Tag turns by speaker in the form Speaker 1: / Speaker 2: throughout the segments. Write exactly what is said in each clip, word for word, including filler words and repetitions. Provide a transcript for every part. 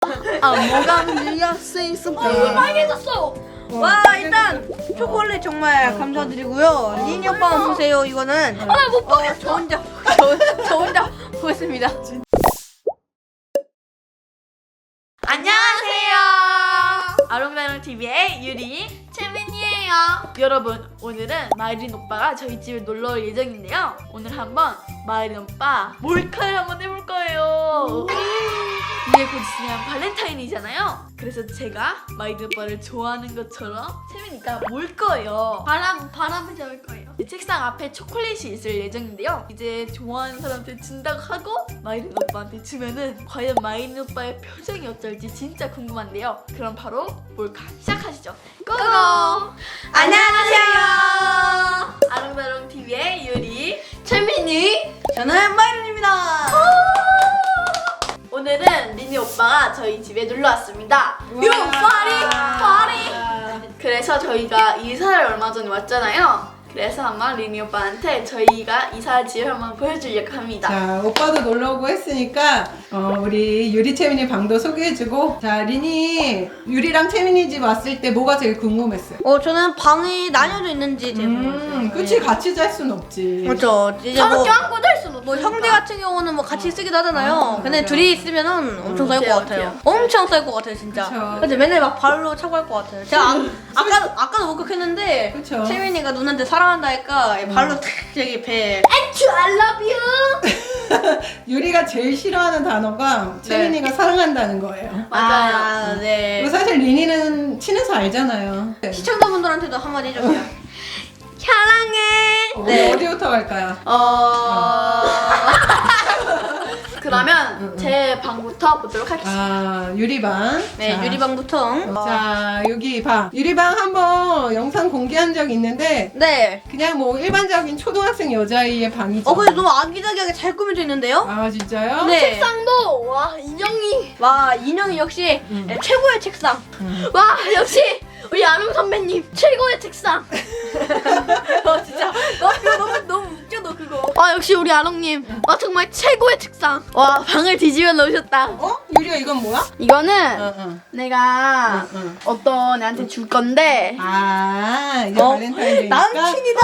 Speaker 1: 아 뭐가 밀려 쓰이스
Speaker 2: 어, 이거 빨개졌어.
Speaker 1: 와 일단 초콜릿 정말 감사드리고요. 리니 오빠만 보세요. 이거는
Speaker 2: 아, 나 못
Speaker 1: 어,
Speaker 2: 보겠어.
Speaker 1: 저 혼자 저, 저 혼자 보겠습니다.
Speaker 2: 안녕하세요. 아롱다롱 티비의 유리 채민이에요. 여러분, 오늘은 마이린 오빠가 저희 집에 놀러 올 예정인데요. 오늘 한번 마이린 오빠 몰카를 한번 해볼 거예요. 이제 곧 있으면 발렌타인이잖아요. 그래서 제가 마이린 오빠를 좋아하는 것처럼 채민이가 몰 거예요. 바람, 바람을 잡을 거예요. 책상 앞에 초콜릿이 있을 예정인데요. 이제 좋아하는 사람한테 준다고 하고 마이린 오빠한테 주면은 과연 마이린 오빠의 표정이 어떨지 진짜 궁금한데요. 그럼 바로 몰카 시작하시죠. 고고! 안녕하세요. 아롱다롱 티비의 유리 채민이.
Speaker 1: 저는 마이린입니다.
Speaker 2: 오늘은 리니 오빠가 저희 집에 놀러 왔습니다. 요 파리 파리. 그래서 저희가 이사를 얼마 전에 왔잖아요. 그래서 한번 리니 오빠한테 저희가 이사 집을 한번 보여주려고 합니다.
Speaker 3: 자, 오빠도 놀러 오고 했으니까 어, 우리 유리 채민이 방도 소개해주고. 자, 리니 유리랑 채민이 집 왔을 때 뭐가 제일 궁금했어요?
Speaker 1: 어 저는 방이 나뉘어져 있는지 제일
Speaker 3: 음,
Speaker 1: 궁금했어요.
Speaker 3: 그치, 같이 잘 순 없지.
Speaker 1: 그렇죠. 이제
Speaker 2: 서로
Speaker 1: 뭐,
Speaker 2: 껴안고 잘 수는
Speaker 1: 뭐
Speaker 2: 없으니까.
Speaker 1: 형제 같은 경우는 뭐 같이 쓰기도 하잖아요.
Speaker 3: 아,
Speaker 1: 근데
Speaker 3: 맞아.
Speaker 1: 둘이 있으면은 엄청 쌓일 것
Speaker 2: 어때요,
Speaker 1: 같아요. 엄청 쌓일 것 같아요, 진짜.
Speaker 3: 그쵸.
Speaker 1: 근데 맨날 막 발로 차고 할 것 같아요. 제가 아, 아까 아까도 목격했는데
Speaker 3: 그쵸.
Speaker 1: 채민이가 누나한테 사랑한다 하니까 발로 탁 저기 배.
Speaker 2: 앤츄 I love you.
Speaker 3: 유리가 제일 싫어하는 단어가 채민이가 사랑한다는 거예요.
Speaker 2: 맞아요.
Speaker 1: 아, 네.
Speaker 3: 그리고 사실 리니는 친해서 알잖아요.
Speaker 1: 시청자분들한테도 한마디 해주세요. 사랑해.
Speaker 3: 우리
Speaker 1: 네.
Speaker 3: 어디부터 갈까요?
Speaker 2: 어. 그러면
Speaker 3: 응, 응.
Speaker 2: 제 방부터 보도록 하겠습니다.
Speaker 3: 아, 유리방.
Speaker 1: 네,
Speaker 3: 자.
Speaker 1: 유리방부터.
Speaker 3: 자, 여기 방. 유리방 한번 영상 공개한 적 있는데
Speaker 1: 네.
Speaker 3: 그냥 뭐 일반적인 초등학생 여자아이의 방이죠.
Speaker 1: 어, 근데 너무 아기자기하게 잘 꾸며져 있는데요?
Speaker 3: 아, 진짜요?
Speaker 1: 네.
Speaker 2: 책상도 와 인형이
Speaker 1: 와, 인형이 역시
Speaker 3: 음.
Speaker 1: 네, 최고의 책상.
Speaker 3: 음.
Speaker 2: 와 역시 우리 아름 선배님 최고의 책상.
Speaker 1: 어, 진짜. 너 이거 너무, 너무 웃겨, 너 그거.
Speaker 2: 와 역시 우리 아롱님 와 정말 최고의 책상. 와 방을 뒤집어 놓으셨다.
Speaker 3: 어? 유리야, 이건 뭐야?
Speaker 2: 이거는
Speaker 3: 응, 응.
Speaker 2: 내가
Speaker 3: 응, 응.
Speaker 2: 어떤 애한테 줄 건데.
Speaker 3: 아, 이제
Speaker 1: 어?
Speaker 3: 발렌타인데이니까.
Speaker 1: 남친이다!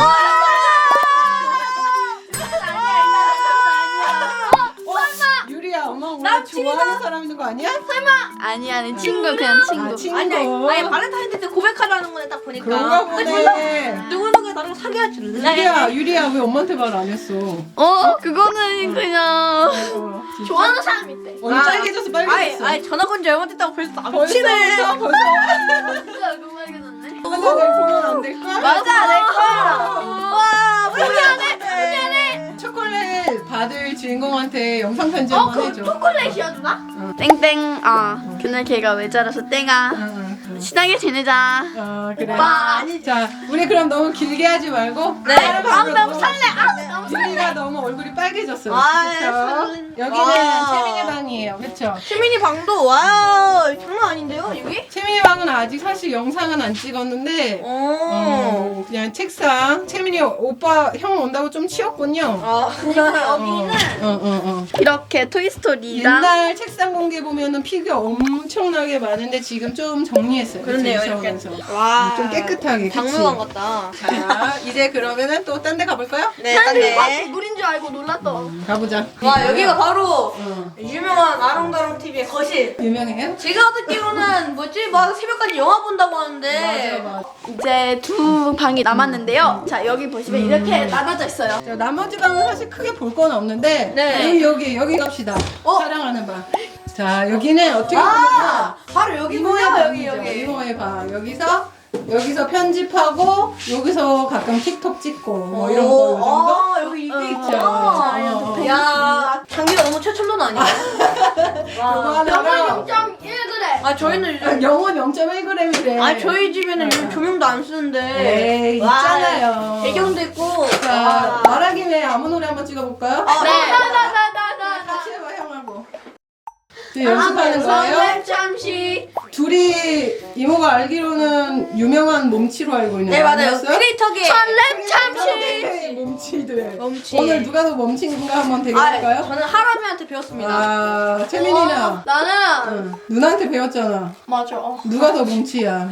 Speaker 3: 유리야, 엄마 원래
Speaker 1: 남친이다.
Speaker 3: 좋아하는 사람 있는 거 아니야?
Speaker 2: 아니 아니 친구 그냥 친구.
Speaker 3: 아, 친구.
Speaker 1: 아니, 아니, 아니, 발렌타인데이 때 고백하라는 거네, 딱 보니까.
Speaker 3: 그런가 보네.
Speaker 1: 누구누구 나랑 사귀어 줄래?
Speaker 3: 유리야, 유리야, 왜 엄마한테 말 안 했어?
Speaker 2: 어 그거는 그냥
Speaker 3: 어, 진짜?
Speaker 2: 좋아하는 사람 있대.
Speaker 3: 오늘 빨개졌어,
Speaker 1: 아니,
Speaker 3: 빨개졌어.
Speaker 1: 아니, 전화 건 지 얼마 됐다고 벌써
Speaker 3: 벌써,
Speaker 1: 남친을.
Speaker 3: 벌써, 벌써.
Speaker 2: 진짜 얼굴 빨개졌네.
Speaker 3: 하나 더 보면 안 될까?
Speaker 1: 맞아, 내 거야. 와,
Speaker 2: 미안해 미안해.
Speaker 3: 초콜릿 받을 주인공한테 영상 편지
Speaker 2: 어
Speaker 3: 한번
Speaker 2: 그
Speaker 3: 해줘.
Speaker 2: 초콜릿이야 누나? 땡땡 아 그날 걔가 왜 자라서 땡아
Speaker 3: 응, 응, 응.
Speaker 2: 친하게 지내자.
Speaker 3: 어, 그래.
Speaker 2: 오빠.
Speaker 3: 자, 우리 그럼 너무 길게 하지 말고.
Speaker 1: 네.
Speaker 2: 아 너무 설레. 아 너무 설레.
Speaker 3: 유리가 너무 얼굴이 빨개졌어요.
Speaker 1: 아,
Speaker 3: 그쵸?
Speaker 1: 설렌-
Speaker 3: 여기는
Speaker 1: 와.
Speaker 3: 채민이 방이에요. 그쵸?
Speaker 1: 시민이 방도, 와, 장난 아닌데요, 여기?
Speaker 3: 채민이 방은 아직 사실 영상은 안 찍었는데,
Speaker 1: 오.
Speaker 3: 어, 그냥 책상. 채민이 오빠, 형 온다고 좀 치웠군요.
Speaker 1: 아, 여기는
Speaker 3: 어, 어, 어.
Speaker 2: 이렇게 토이스토리랑
Speaker 3: 옛날 책상 공개 보면은 피규어 엄청나게 많은데 지금 좀 정리했어요.
Speaker 1: 그렇네요,
Speaker 3: 그쵸?
Speaker 1: 이렇게.
Speaker 3: 이쪽에서.
Speaker 1: 와.
Speaker 3: 좀 깨끗하게. 그치?
Speaker 1: 박물관 같다.
Speaker 3: 자, 이제 그러면은 또 딴 데 가볼까요?
Speaker 1: 네,
Speaker 2: 사람들이 다
Speaker 1: 네.
Speaker 2: 개구리인 줄 알고 놀랐어.
Speaker 3: 가보자.
Speaker 1: 와, 여기가 바로
Speaker 3: 어.
Speaker 1: 유명한 아롱다롱 티비의 거실.
Speaker 3: 유명해요?
Speaker 1: 제가 듣기로는 뭐지? 막 새벽까지 영화 본다고 하는데.
Speaker 3: 맞아, 맞아.
Speaker 2: 이제 두 방이 남았는데요. 자 여기 보시면 이렇게 나눠져 있어요.
Speaker 3: 자, 나머지 방은 사실 크게 볼 건 없는데
Speaker 1: 네.
Speaker 3: 여기 여기 여기 갑시다.
Speaker 1: 어?
Speaker 3: 사랑하는 방. 자, 여기는 어떻게 보면
Speaker 1: 아, 바로 여기
Speaker 3: 이모의
Speaker 1: 보여,
Speaker 3: 방이죠.
Speaker 1: 여기, 여기.
Speaker 3: 이모의 방. 여기서 여기서 편집하고 여기서 가끔 틱톡 찍고 뭐 이런 거 이 정도.
Speaker 1: 아, 여기 이게
Speaker 2: 어.
Speaker 1: 있죠.
Speaker 3: 어, 어.
Speaker 1: 야, 장비가 너무 최첨단 아니에요?
Speaker 3: 이거
Speaker 1: 와.
Speaker 3: 하나랑
Speaker 2: 영원 영 점 일 그램.
Speaker 1: 아, 저희는
Speaker 3: 영원 영 점 일 그램이래.
Speaker 1: 아, 저희 집에는 요즘 조명도 안 쓰는데.
Speaker 3: 에이,
Speaker 1: 와,
Speaker 3: 있잖아요.
Speaker 1: 배경도 있고.
Speaker 3: 자,
Speaker 1: 와.
Speaker 3: 말하김에 아무 노래 한번 찍어볼까요?
Speaker 1: 아,
Speaker 2: 네.
Speaker 1: 네.
Speaker 2: 나나나나나.
Speaker 3: 같이 해봐, 형하고. 지금 연습하는 거예요?
Speaker 2: 설렘 잠시.
Speaker 3: 두 둘이 이모가 알기로는 유명한 몸치로 알고 있는데
Speaker 1: 네 맞아요.
Speaker 3: 아니었어요?
Speaker 1: 크리에이터계.
Speaker 2: 설렘 참치.
Speaker 3: 네, 몸치들.
Speaker 1: 몸치.
Speaker 3: 오늘 누가 더 몸치인가 한번
Speaker 1: 아,
Speaker 3: 대결할까요?
Speaker 1: 저는 하람이한테 배웠습니다.
Speaker 3: 아, 채민이는
Speaker 2: 어, 나는
Speaker 3: 응. 누나한테 배웠잖아.
Speaker 2: 맞아. 어.
Speaker 3: 누가 더 몸치야?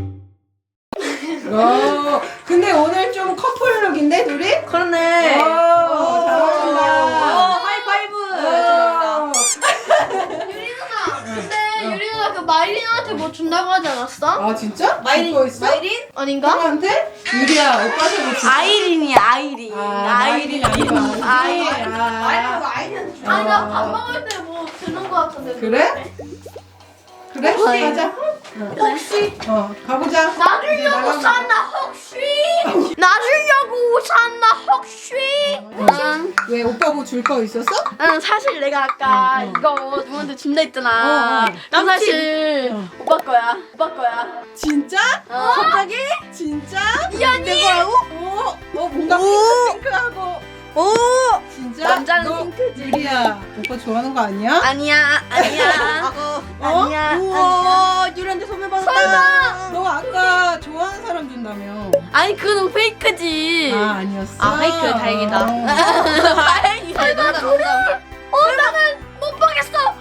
Speaker 3: 어, 근데 오늘 좀 커플룩인데 둘이?
Speaker 1: 그러네.
Speaker 3: 오,
Speaker 1: 어,
Speaker 3: 잘한다.
Speaker 1: 하이파이브.
Speaker 3: 어.
Speaker 2: 유리 누나. 근데 유리 누나 그 마이린한테 뭐 준다고 하지 않았어?
Speaker 3: 아 진짜?
Speaker 1: 마이린,
Speaker 3: 듣고 있어?
Speaker 1: 마이린?
Speaker 2: 아닌가?
Speaker 3: 형한테? 유리야 오빠한테 뭐 줄까?
Speaker 2: 아이린이야 아이린.
Speaker 3: 아, 마이린 아니고
Speaker 2: 아이린.
Speaker 3: 아이린. 아,
Speaker 1: 마이린.
Speaker 2: 아니 나 밥 먹을 때 뭐 드는 거 같은데.
Speaker 3: 그래? 그래? 가자.
Speaker 2: 혹시
Speaker 3: 어, 가보자.
Speaker 2: 나
Speaker 3: 이제
Speaker 2: 주려고
Speaker 3: 나가보자.
Speaker 2: 샀나 혹시? 나 주려고 샀나 혹시? 응.
Speaker 3: 왜 오빠 뭐 줄 거 있었어?
Speaker 2: 응 사실 내가 아까
Speaker 3: 어, 어.
Speaker 2: 이거 누구한테 준다 했잖아.
Speaker 3: 어, 어.
Speaker 2: 난 사실
Speaker 3: 어.
Speaker 2: 오빠 거야. 오빠 거야.
Speaker 3: 진짜?
Speaker 2: 어?
Speaker 1: 갑자기?
Speaker 3: 진짜?
Speaker 2: 이현이.
Speaker 1: 거라고?
Speaker 3: 어, 어 뭔가
Speaker 1: 오.
Speaker 3: 핑크핑크하고.
Speaker 1: 오.
Speaker 3: 진짜?
Speaker 2: 남자는
Speaker 3: 너
Speaker 2: 핑크지.
Speaker 3: 유리야, 오빠 좋아하는 거 아니야?
Speaker 2: 아니야 아니야.
Speaker 1: 어?
Speaker 2: 아니야.
Speaker 1: 우와, 유리한테 선물 받았다.
Speaker 2: 설마.
Speaker 3: 너 아까 좋아하는 사람 준다며.
Speaker 2: 아니 그건 페이크지.
Speaker 3: 아 아니었어.
Speaker 1: 아, 페이크, 다행이다.
Speaker 3: 어.
Speaker 2: 다행이다.
Speaker 1: 설마 정답.
Speaker 2: 어 나는 못 보겠어.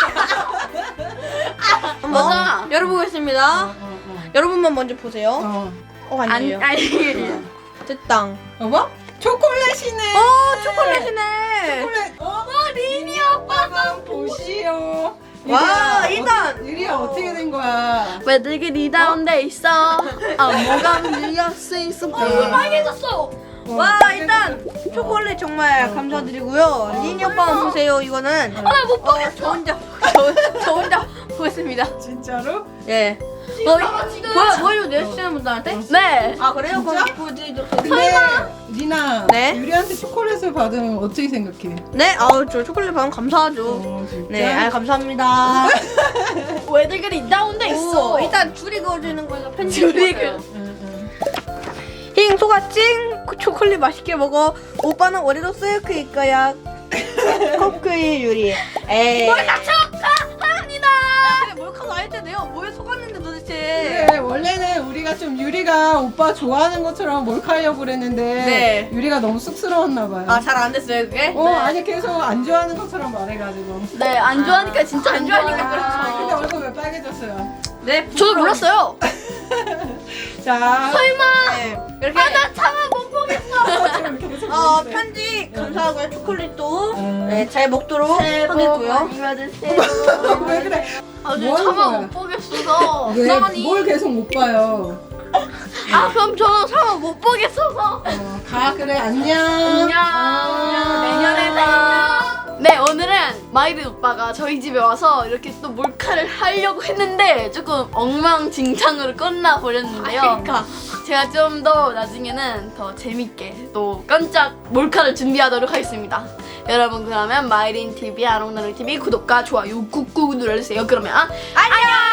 Speaker 1: 한번
Speaker 2: 맞아.
Speaker 1: 열어보겠습니다.
Speaker 3: 어, 어, 어.
Speaker 1: 여러분만 먼저 보세요.
Speaker 3: 어.
Speaker 1: 어,
Speaker 2: 아니
Speaker 1: 아니에요.
Speaker 2: 아니.
Speaker 1: 됐다.
Speaker 3: 여보? 초콜릿이네.
Speaker 1: 어, 초콜릿이네.
Speaker 3: 초콜릿. 어?
Speaker 2: 리니 오빠가
Speaker 3: 보시오.
Speaker 1: 와,
Speaker 3: 유리야,
Speaker 1: 일단.
Speaker 3: 어, 유리야 어떻게 된 거야?
Speaker 2: 왜 되게 리다운돼 있어? 아 뭐가 밀려 쓰있어?
Speaker 3: 얼굴
Speaker 2: 빨개졌어.
Speaker 1: 와, 일단 초콜릿 정말 감사드리고요. 리니 오빠만 보세요. 이거는.
Speaker 2: 아못
Speaker 1: 어, 저 혼자, 저, 저 혼자 보겠습니다.
Speaker 3: 진짜로?
Speaker 1: 예.
Speaker 2: 봐봐 지금.
Speaker 1: 보여, 보여줘도 돼요? 시청자 분들한테?
Speaker 2: 네.
Speaker 1: 아, 그래요?
Speaker 3: 진짜?
Speaker 1: 그럼 보여드리도록
Speaker 3: 근데
Speaker 1: 하겠습니다.
Speaker 3: 리나,
Speaker 1: 네?
Speaker 3: 유리한테 초콜릿을 받으면 어떻게 생각해?
Speaker 1: 네, 아우, 저 초콜릿 받으면 감사하죠.
Speaker 3: 어, 진짜?
Speaker 1: 네, 아, 감사합니다.
Speaker 2: 왜 되게 리다운돼 있어?
Speaker 1: 오, 일단 줄이 그어주는 거에서 편지.
Speaker 2: 줄이
Speaker 3: 응, 응.
Speaker 1: 힝, 소가찡 초콜릿 맛있게 먹어. 오빠는 올해도 셀크일 거야. 커크의 유리. 에이.
Speaker 2: 몰카 축하합니다.
Speaker 1: 근데 몰카가 아닐 텐데요. 뭐에 속았는데 도대체.
Speaker 3: 그래, 원래는 우리가 좀 유리가 오빠 좋아하는 것처럼 몰카하려고 그랬는데
Speaker 1: 네.
Speaker 3: 유리가 너무 쑥스러웠나 봐요.
Speaker 1: 아, 잘 안 됐어요, 그게?
Speaker 3: 어,
Speaker 2: 네.
Speaker 3: 아니 계속 안 좋아하는 것처럼 말해가지고.
Speaker 2: 네, 안 좋아하니까 진짜 안
Speaker 1: 안
Speaker 2: 좋아하니까
Speaker 1: 좋아하니까
Speaker 3: 아, 근데
Speaker 2: 그렇죠.
Speaker 3: 얼굴 왜 빨개졌어요?
Speaker 1: 네,
Speaker 2: 저도 몰랐어요.
Speaker 3: 자,
Speaker 2: 설마.
Speaker 1: 네, 이렇게.
Speaker 2: 아, 나 차마 못 보겠어.
Speaker 3: 좀 계속
Speaker 1: 어,
Speaker 3: 보여주세요.
Speaker 1: 편지 감사하고요. 초콜릿도
Speaker 3: 음.
Speaker 1: 네, 잘 먹도록 하겠고요.
Speaker 2: 많이 받으세요.
Speaker 3: 왜 그래?
Speaker 2: 아,
Speaker 3: 뭐 하는
Speaker 2: 차마
Speaker 3: 거야?
Speaker 2: 못 보겠어서.
Speaker 3: 왜,
Speaker 2: 나만이.
Speaker 3: 뭘 계속 못 봐요?
Speaker 2: 아, 그럼 저 차마 못 보겠어서.
Speaker 3: 어, 가, 그래, 안녕.
Speaker 2: 안녕.
Speaker 3: 아.
Speaker 2: 내년에 봐. 네, 오늘은 마이린 오빠가 저희 집에 와서 이렇게 또 몰카를 하려고 했는데 조금 엉망진창으로 끝나 버렸는데요.
Speaker 1: 그러니까.
Speaker 2: 제가 좀 더 나중에는 더 재밌게 또 깜짝 몰카를 준비하도록 하겠습니다. 여러분 그러면 마이린 티비 아롱나롱 티비 구독과 좋아요 꾹꾹 눌러주세요. 그러면 안녕.